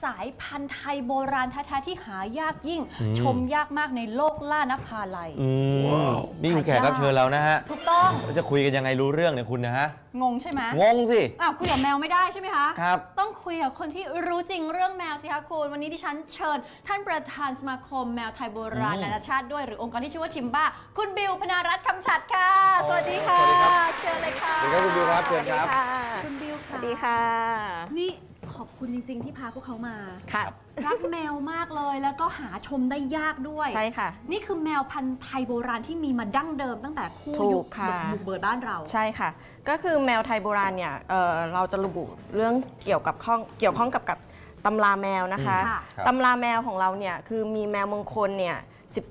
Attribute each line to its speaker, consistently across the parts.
Speaker 1: ายพันธุ์ไทยโบราณแท้ๆที่หายากยิ่งชมยากมากในโลกล่านภาลัย
Speaker 2: นี่คือแขกรับเชิญเรานะฮะ
Speaker 1: ถูกต้อง
Speaker 2: เราจะคุยกันยังไงรู้เรื่องเนี่ยคุณนะฮะ
Speaker 1: งงใช่ไหม
Speaker 2: งงสิ
Speaker 1: คุยกับแมวไม่ได้ใช่ไหมคะ
Speaker 2: ครับ
Speaker 1: ต้องคุยกับคนที่รู้จริงเรื่องแมวสิคะคุณวันนี้ดิฉันเชิญท่านประธานสมาคมแมวไทยโบราณนานาชาติด้วยหรือองค์กรที่ชื่อว่าชิมบ้าคุณบิวพนารัตน์คำฉัตรค่ะสวัสดีค่ะเชิญเลยค่ะ
Speaker 2: สวัสดีครับคุณบิวครับเชิญครับ
Speaker 1: คุณบิวค่ะ
Speaker 3: สวัสดีค่ะ
Speaker 1: นี่ขอบคุณจริงๆที่พาพวกเขามา
Speaker 3: ค่ะ
Speaker 1: รักแมวมากเลยแล้วก็หาชมได้ยากด้วย
Speaker 3: ใช่ค่ะ
Speaker 1: นี่คือแมวพันธุ์ไทยโบราณที่มีมาดั้งเดิมตั้งแต่คู่ยุคบุกเบิกบ้านเรา
Speaker 3: ใช่ค่ะก็คือแมวไทยโบราณเนี่ยเราจะระบุเรื่องเกี่ยวข้องกับตำราแมวนะคะตำราแมวของเราเนี่ยคือมีแมวมงคลเนี่ย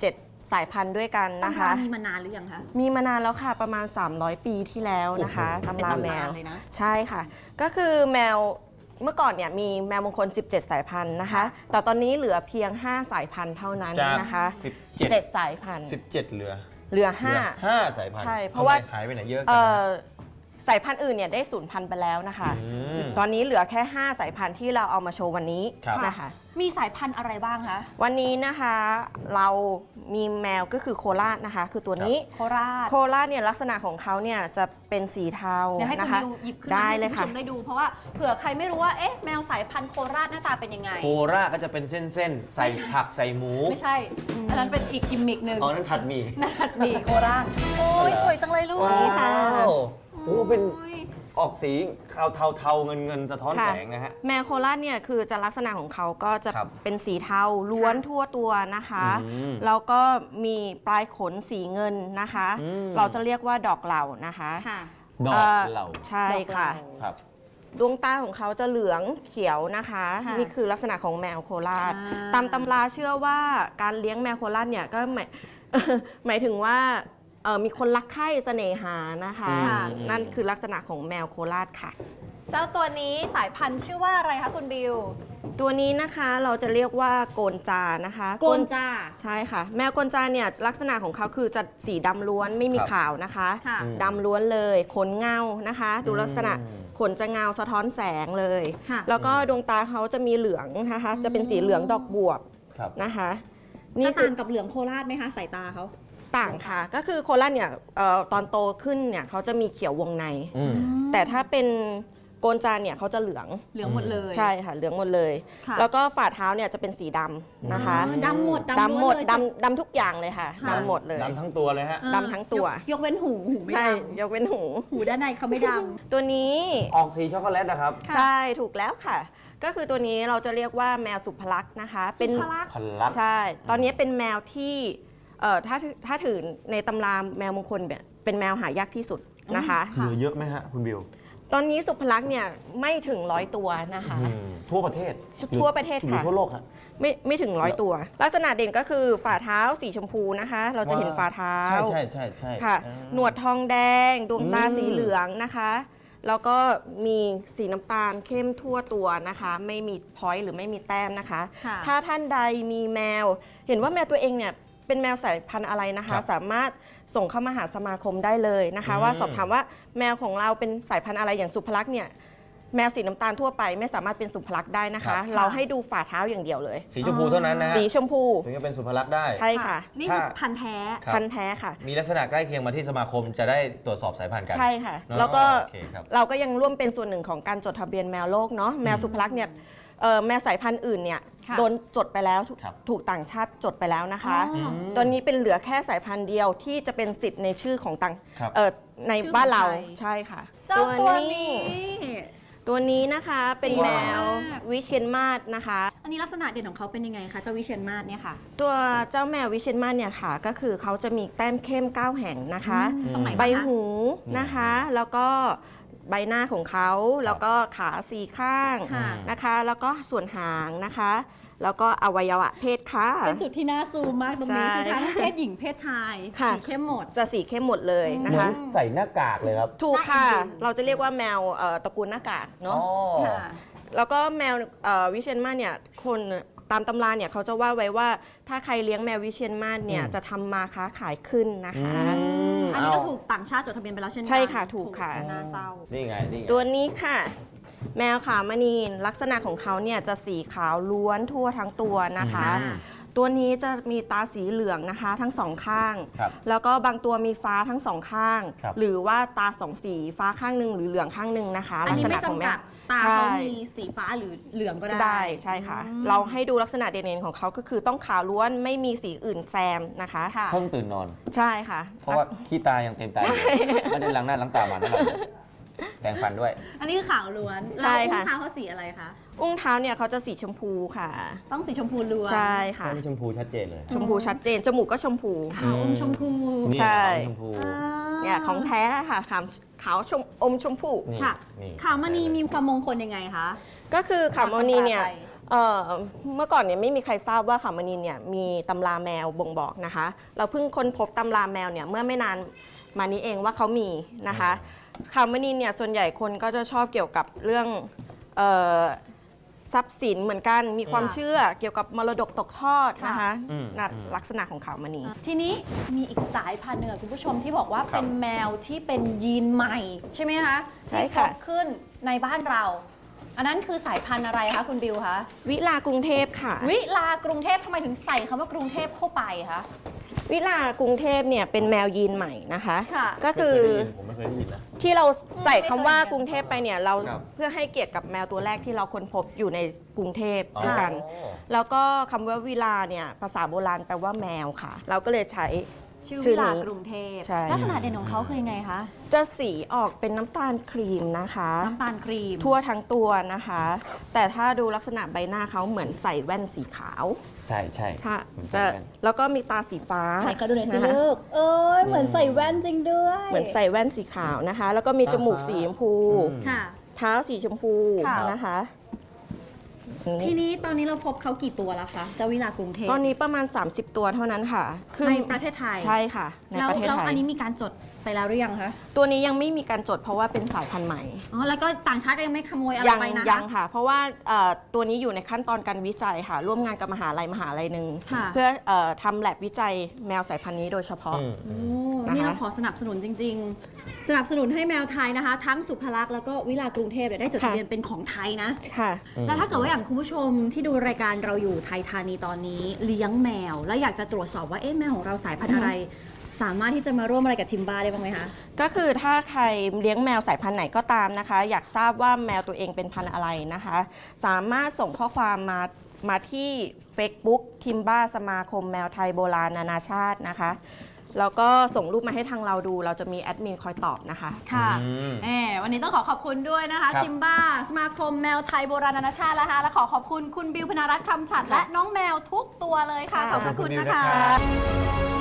Speaker 3: 17 สายพันธุ์ด้วยกันนะคะ
Speaker 1: มีมานานหรือยังคะ
Speaker 3: มีมานานแล้วค่ะประมาณ300 ปีที่แล้วนะคะตำราแมวใช่ค่ะก็คือแมวเมื่อก่อนเนี่ยมีแมวมงคล17 สายพันธุ์นะคะแต่ตอนนี้เหลือเพียง5 สายพันธุ์เท่านั้นนะคะ17 สายพันธุ์
Speaker 2: 17เหลือ5สายพันธุ์
Speaker 3: ใช่เพราะว่า
Speaker 2: หายไปไหนเยอะกัน
Speaker 3: สายพันธุ์อื่นเนี่ยได้สูญพันธุ์ไปแล้วนะคะตอนนี้เหลือแค่5 สายพันธุ์ที่เราเอามาโชว์วันนี้นะคะ
Speaker 1: มีสายพันธุ์อะไรบ้างคะ
Speaker 3: วันนี้นะคะเรามีแมวก็คือโคราชนะคะคือตัวนี้โคราชเนี่ยลักษณะของเขาเนี่ยจะเป็นสีเทา
Speaker 1: นะคะหยิบขึ้นมาให้คุณผู้ชมได้ดูเพราะว่าเผื่อใครไม่รู้ว่าแมวสายพันธุ์โคราชหน้าตาเป็นยังไง
Speaker 2: โคราชก็จะเป็นเส้นๆใส่ผักใส่หมู
Speaker 1: ไม่ใช่อันนั้นเป็นอีกกิมมิกหนึ่ง
Speaker 2: นั่นผัดหมี่
Speaker 1: โคราชโอ้ยสวยจังเลยลูก
Speaker 3: นี่ค่ะ
Speaker 2: โอ้เป็นออกสีเทาเงินสะท้อนแสงนะฮะ
Speaker 3: แมวโคราชเนี่ยคือจะลักษณะของเขาก็จะเป็นสีเทาล้วนทั่วตัวนะคะแล้วก็มีปลายขนสีเงินนะคะเราจะเรียกว่าดอกเหล่านะคะ
Speaker 2: ดอกเหล่า
Speaker 3: ใช่ค่ะดวงตาของเขาจะเหลืองเขียวนะคะนี่คือลักษณะของแมวโคราชตามตำราเชื่อว่าการเลี้ยงแมวโคราชเนี่ยก็หมายถึงว่ามีคนรักใคร่เสน่หานะคะนั่นคือลักษณะของแมวโคราชค่ะ
Speaker 1: เจ้าตัวนี้สายพันธุ์ชื่อว่าอะไรคะคุณบิว
Speaker 3: ตัวนี้นะคะเราจะเรียกว่าโกนจานะคะ
Speaker 1: โกนจา
Speaker 3: ใช่ค่ะแมวโกนจาเนี่ยลักษณะของเขาคือจะสีดำล้วนไม่มีขาวนะคะดำล้วนเลยขนเงานะคะดูลักษณะขนจะเงาสะท้อนแสงเลยแล้วก็ดวงตาเขาจะมีเหลืองนะคะจะเป็นสีเหลืองดอกบวบนะคะ
Speaker 1: นี่ต่างกับเหลืองโคราชไหมคะสายตาเขา
Speaker 3: ต่างค่ะก็คือโคราชเนี่ยตอนโตขึ้นเนี่ยเขาจะมีเขียววงในแต่ถ้าเป็นโกนจานเนี่ยเขาจะเหลือง
Speaker 1: หมดเลย
Speaker 3: ใช่ค่ะเหลืองหมดเลยแล้วก็ฝ่าเท้าเนี่ยจะเป็นสีดำนะคะ
Speaker 1: ดำหมด
Speaker 3: ดำทุกอย่างเลยค่ะดำหมดเลย
Speaker 2: ดำทั้งตัวเลยฮะ
Speaker 3: ดำทั้งตัวย
Speaker 1: กเว้นหูไม่
Speaker 3: ด
Speaker 1: ำ
Speaker 3: ยกเว้นหู
Speaker 1: ด้านในเขาไม่ดำ
Speaker 3: ตัวนี้
Speaker 2: ออกสีช็อกโกแลตนะครับ
Speaker 3: ใช่ถูกแล้วค่ะก็คือตัวนี้เราจะเรียกว่าแมวสุภลักษณ์นะคะ
Speaker 1: เป็น
Speaker 3: ใช่ตอนนี้เป็นแมวที่ถ้าถือในตำราแมวมงคลเป็นแมวหายากที่สุดนะคะ
Speaker 2: เหลือเยอะไหมฮะคุณบิว
Speaker 3: ตอนนี้สุภลักษณ์เนี่ยไม่ถึง100 ตัวนะคะ
Speaker 2: ทั่วประเทศ
Speaker 3: ค่ะ
Speaker 2: ทั่วโลกครับ
Speaker 3: ไม่ถึง100 ตัวลักษณะเด่นก็คือฝ่าเท้าสีชมพูนะคะเราจะเห็นฝ่าเท้า
Speaker 2: ใช่
Speaker 3: ค่ะหนวดทองแดงดวงตาสีเหลืองนะคะแล้วก็มีสีน้ำตาลเข้มทั่วตัวนะคะไม่มีพอยต์หรือไม่มีแต้มนะคะถ้าท่านใดมีแมวเห็นว่าแมวตัวเองเนี่ยเป็นแมวสายพันธุ์อะไรนะคะสามารถส่งเข้ามาหาสมาคมได้เลยนะคะว่าสอบถามว่าแมวของเราเป็นสายพันธุ์อะไรอย่างสุภลักษณ์เนี่ยแมวสีน้ำตาลทั่วไปไม่สามารถเป็นสุภลักษณ์ได้นะคะเราให้ดูฝ่าเท้าอย่างเดียวเลย
Speaker 2: สีชมพูเท่านั้นนะ
Speaker 3: สีชมพู
Speaker 2: ถึงจะเป็นสุภลักษณ์ได้
Speaker 3: ใช่ค่ะ
Speaker 1: นี่คือพันธุ์แท้
Speaker 3: ค่ะ
Speaker 2: มีลักษณะใกล้เคียงมาที่สมาคมจะได้ตรวจสอบสายพันธุ์กัน
Speaker 3: ใช่ค่ะแล้วก็เราก็ยังร่วมเป็นส่วนหนึ่งของการจดทะเบียนแมวโลกเนาะแมวสุภลักษณ์เนี่ยแมวสายพันธุ์อื่นเนี่ยโดนจดไปแล้วถูกต่างชาติจดไปแล้วนะคะตัวนี้เป็นเหลือแค่สายพันธุ์เดียวที่จะเป็นสิทธิ์ในชื่อของต่างในบ้านเราใช่ค่ะตัวนี้นะคะเป็นแมววิเชียรมาศนะคะ
Speaker 1: อันนี้ลักษณะเด่นของเขาเป็นยังไงคะเจ้าวิเชียรมาศเนี่ยค่ะ
Speaker 3: ตัวเจ้าแมววิเชียรมาศเนี่ยค่ะก็คือเขาจะมีแต้มเข้ม9 แห่งนะคะใบหูนะคะแล้วก็ใบหน้าของเขาแล้วก็ขา4 ข้างนะคะแล้วก็ส่วนหางนะคะแล้วก็อวัยวะเพศค่ะ
Speaker 1: เป็นจุดที่น่าซูมมากตรงนี้คือทั้งเพศหญิงเพศชายสีเข้มหมด
Speaker 3: จะสีเข้มหมดเลยนะคะ
Speaker 2: ใส่หน้ากากเลยครับ
Speaker 3: ถูกค่ะเราจะเรียกว่าแมวตระกูลหน้ากากเนาะแล้วก็แมววิเชียรมาศเนี่ยคนตามตำราเนี่ยเขาจะว่าไว้ว่าถ้าใครเลี้ยงแมววิเชียรมาศเนี่ยจะทำมาค้าขายขึ้นนะคะ
Speaker 1: อันนี้ก็ถูกต่างชาติจดทะเบียนไปแล้วเช่นกัน
Speaker 3: ใช่ค่ะถูกค่ะ
Speaker 1: น่าเศร้า
Speaker 2: นี่ไง นี่ไง
Speaker 3: ตัวนี้ค่ะ แมวขาวมณีลักษณะของเขาเนี่ยจะสีขาวล้วนทั่วทั้งตัวนะคะ
Speaker 1: อืม
Speaker 3: ตัวนี้จะมีตาสีเหลืองนะคะทั้งสองข้าง
Speaker 2: ครับ
Speaker 3: แล้วก็บางตัวมีฟ้าทั้งสองข้าง
Speaker 2: ครับ
Speaker 3: หรือว่าตาสองสีฟ้าข้างหนึ่งหรือเหลืองข้างหนึ่งนะคะ
Speaker 1: อันนี้ไม่
Speaker 3: ลัษณะของ
Speaker 1: จำกัดตา
Speaker 3: ใช่
Speaker 1: เขามีสีฟ้าหรือเหลืองก็ได้
Speaker 3: ได้ใช่ค่ะ เราให้ดูลักษณะเด่นๆของเขาก็คือต้องขาวล้วนไม่มีสีอื่นแซมนะคะ
Speaker 1: ค่ะ
Speaker 2: เพิ่งตื่นนอน
Speaker 3: ใช่ค่ะ
Speaker 2: เพราะว่าขี้ตายังเต็มตาอยู่ไม่ได้ล้างหน้าล้างตามานะแต่งฟันด้วย
Speaker 1: อันนี้คือขาวล้วน
Speaker 3: ใช่
Speaker 1: แล้ว
Speaker 3: ค่ะ
Speaker 1: อุ้งเท้าเขาสีอะไรคะ
Speaker 3: อุ้งเท้าเนี่ยเขาจะสีชมพูค่ะ
Speaker 1: ต้องสีชมพูล้วน
Speaker 3: ใช่ค่ะ
Speaker 2: นี่ชมพูชัดเจนเลย
Speaker 3: ชมพูชัดเจน จมูกก็ชมพู
Speaker 1: ขาวอมชมพู
Speaker 2: นี่
Speaker 3: ใช่
Speaker 2: ชมพู
Speaker 3: เนี่ยของแท้ค่ะขาวชมอมชมพู
Speaker 2: นี่
Speaker 1: ค่ะ
Speaker 2: นี่
Speaker 1: ขาวมณีมีความมงคลยังไงคะ
Speaker 3: ก็คือขาวมณีเนี่ย
Speaker 1: ตามตำราไทย
Speaker 3: เมื่อก่อนเนี่ยไม่มีใครทราบว่าขาวมณีเนี่ยมีตำราแมวบ่งบอกนะคะ เราเพิ่งค้นพบตำราแมวเนี่ยเมื่อไม่นานมานี้เองว่าเขามีนะคะขาวมณีเนี่ยส่วนใหญ่คนก็จะชอบเกี่ยวกับเรื่องเอ่อทรัพย์สินเหมือนกันมีความเชื่อเกี่ยวกับมรดกตกทอดนะคะลักษณะของขาวมณี
Speaker 1: ทีนี้มีอีกสายพันธุ์หนึ่งอะคุณผู้ชมที่บอกว่า
Speaker 2: ครับ
Speaker 1: เป็นแมวที่เป็นยีนใหม่ ใช่ไหมคะ
Speaker 3: ใช่
Speaker 1: ที่
Speaker 3: ค่ะ
Speaker 1: พบขึ้นในบ้านเรา อันนั้นคือสายพันธุ์อะไรคะคุณบิวคะ
Speaker 3: วิลากรุงเทพค่ะ
Speaker 1: วิลากรุงเทพทำไมถึงใส่คำว่ากรุงเทพเข้าไปคะ
Speaker 3: วิลากรุงเทพเนี่ยเป็นแมวยีนใหม่นะคะ
Speaker 1: ค่ะ
Speaker 3: ก็คือ
Speaker 2: ผมไม่เคยได้ยินนะ
Speaker 3: ที่เราใส่คำว่า
Speaker 1: ไม่เคยเห็น
Speaker 3: กรุงเทพไปเนี่ยเรา
Speaker 2: ครับ
Speaker 3: เพื่อให้เกียรติกับแมวตัวแรกที่เราค้นพบอยู่ในกรุงเทพ
Speaker 2: อ๋อ
Speaker 3: ด้วยกัน แล้วก็คำว่าวิลาเนี่ยภาษาโบราณแปลว่าแมวค่ะ เราก็เลยใช้
Speaker 1: ชื่อ
Speaker 3: ชื่
Speaker 1: วิ
Speaker 3: อนี้
Speaker 1: ลากรุงเทพ
Speaker 3: ใช่
Speaker 1: ลักษณะเด่นของเขาคือยังไงคะ
Speaker 3: จะสีออกเป็นน้ำตาลครีมนะคะ
Speaker 1: น้ำตาลครีม
Speaker 3: ทั่วทั้งตัวนะคะ แต่ถ้าดูลักษณะใบหน้าเขาเหมือนใส่แว่นสีขาว
Speaker 2: ใช่ใช่
Speaker 3: ใช่
Speaker 2: เหมือนใส่
Speaker 3: จะ
Speaker 2: แว่น
Speaker 3: แล้วก็มีตาสีฟ้า
Speaker 1: ใครเขาดูหน่อยสิ
Speaker 3: นะคะ
Speaker 1: ลูก เอ้ยเหมือนใส่แว่นจริงด้วย
Speaker 3: เหมือนใส่แว่นสีขาวนะคะ แล้วก็มีจมูกสีชมพู
Speaker 1: ค่ะ
Speaker 3: เท้าสีชมพู
Speaker 1: ค่ะ
Speaker 3: นะคะ
Speaker 1: ทีนี้ตอนนี้เราพบเขากี่ตัวแล้วคะเจ้าวิลากรุงเทพ
Speaker 3: ตอนนี้ประมาณ 30 ตัวเท่านั้นค่ะ
Speaker 1: ในประเทศไทย
Speaker 3: ใช่ค่ะ ใน
Speaker 1: แล้ว
Speaker 3: ประเทศ
Speaker 1: แล้ว
Speaker 3: ไทย
Speaker 1: อันนี้มีการจดไปแล้วหรือยังคะ
Speaker 3: ตัวนี้ยังไม่มีการจดเพราะว่าเป็นสายพันธุ์ใหม่
Speaker 1: อ๋อ แล้วก็ต่างชาติก็ยังไม่ขโมยอะไร
Speaker 3: ยัง
Speaker 1: ไปนะคะ
Speaker 3: ยังค่ะ เพราะว่าตัวนี้อยู่ในขั้นตอนการวิจัยค่ะ ร่วมงานกับมหาลัยหนึ่ง
Speaker 1: ค่ะ
Speaker 3: เพื่อทำแลบวิจัยแมวสายพันธุ์นี้โดยเฉพาะ
Speaker 2: อืม
Speaker 1: โอ้
Speaker 3: นะคะ
Speaker 1: นี่เราขอสนับสนุนจริง ๆ สนับสนุนให้แมวไทยนะคะ ทั้งสุภลักษณ์แล้วก็วิลากรุงเทพเนี่ยได้จดทะเบียนเป็นของไทยนะ
Speaker 3: ค่ะ
Speaker 1: แล้วถ้าเกิดว่าอย่างคุณผู้ชมที่ดูรายการเราอยู่ไทยธานีตอนนี้เลี้ยงแมว แล้วอยากจะตรวจสอบว่าเอ๊ะแมวของเราสายพันธุ์อะไร สามารถที่จะมาร่วมอะไรกับทิมบ้าได้บ้างไหมคะ
Speaker 3: ก็คือถ้าใครเลี้ยงแมวสายพันธุ์ไหนก็ตามนะคะ อยากทราบว่าแมวตัวเองเป็นพันธุ์อะไรนะคะ สามารถส่งข้อความมาที่ Facebook ทิมบ้าสมาคมแมวไทยโบราณนานาชาตินะคะ แล้วก็ส่งรูปมาให้ทางเราดู เราจะมีแอดมินคอยตอบนะคะ
Speaker 1: ค่ะ
Speaker 2: อืม
Speaker 1: วันนี้ต้องขอบคุณด้วยนะคะ
Speaker 2: ครับ
Speaker 1: จิมบ้าสมาคมแมวไทยโบราณนานาชาตินะคะและขอบคุณคุณบิวพนารัตน์คำฉัดและน้องแมวทุกตัวเลยค่ะ ขอบพระคุณนะคะ